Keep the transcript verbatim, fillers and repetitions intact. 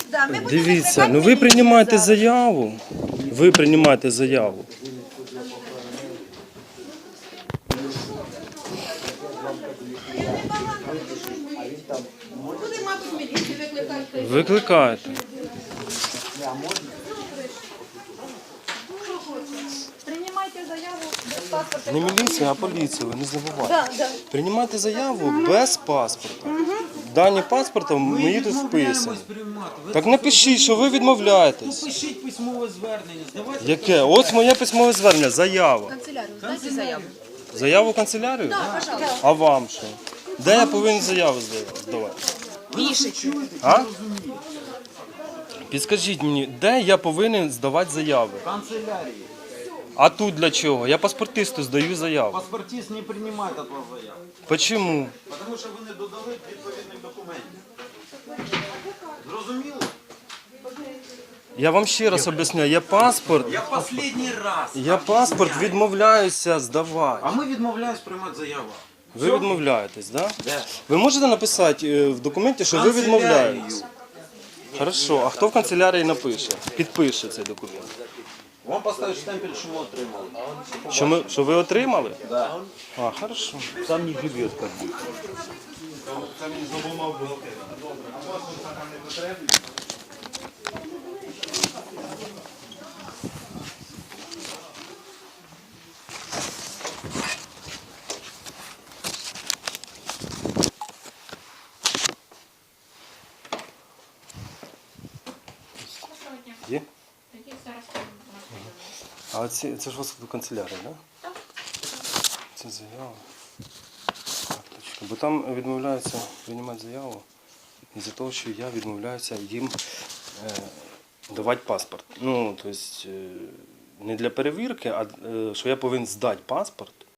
Да, ми будемо Дивіться, викликати ну ви міліцію приймаєте зараз. заяву. Ви приймаєте заяву. Буде, мабуть, міліцію викликати. Викликаєте. Приймайте заяву без паспорта. Не міліція, а поліція, ви не забувайте. Да, да. Приймайте заяву без паспорта. Дані паспорта мої тут вписані. Так напишіть, що ви відмовляєтесь. Пишіть письмове звернення, здавайте. Яке? Ось моє письмове звернення, заява. Канцелярію, здайте заяву. Заяву в канцелярію? Так, пожалуйста. А вам що? Де я повинен заяву здавати? Пишете. А? Підскажіть мені, де я повинен здавати заяви? Канцелярії. А тут для чого? Я паспортисту здаю заяву. Паспортист не приймає від вас заяву. Почему? Тому що ви не додали відповідних документів. Зрозуміло? Я вам ще раз об'ясняю, я паспорт, Я останній раз. я паспорт відмовляюся здавати. А ми відмовляємось приймати заяву. Ви відмовляєтесь, так? Да? Де? Ви можете написати е, в документі, що ви відмовляєтесь? Хорошо, а хто в канцелярії напише? Підпише цей документ. Вам поставить штемпель, що ми отримали. Що, ми, що ви отримали? Да. А, хорошо. Сам не живет, как бы. Є? А ці, це ж у вас до канцелярії, так? Да? Так. Це заява. Так, точка. Бо там відмовляються приймати заяву із-за того, що я відмовляюся їм е, давати паспорт. Ну, тобто, е, не для перевірки, а е, що я повинен здати паспорт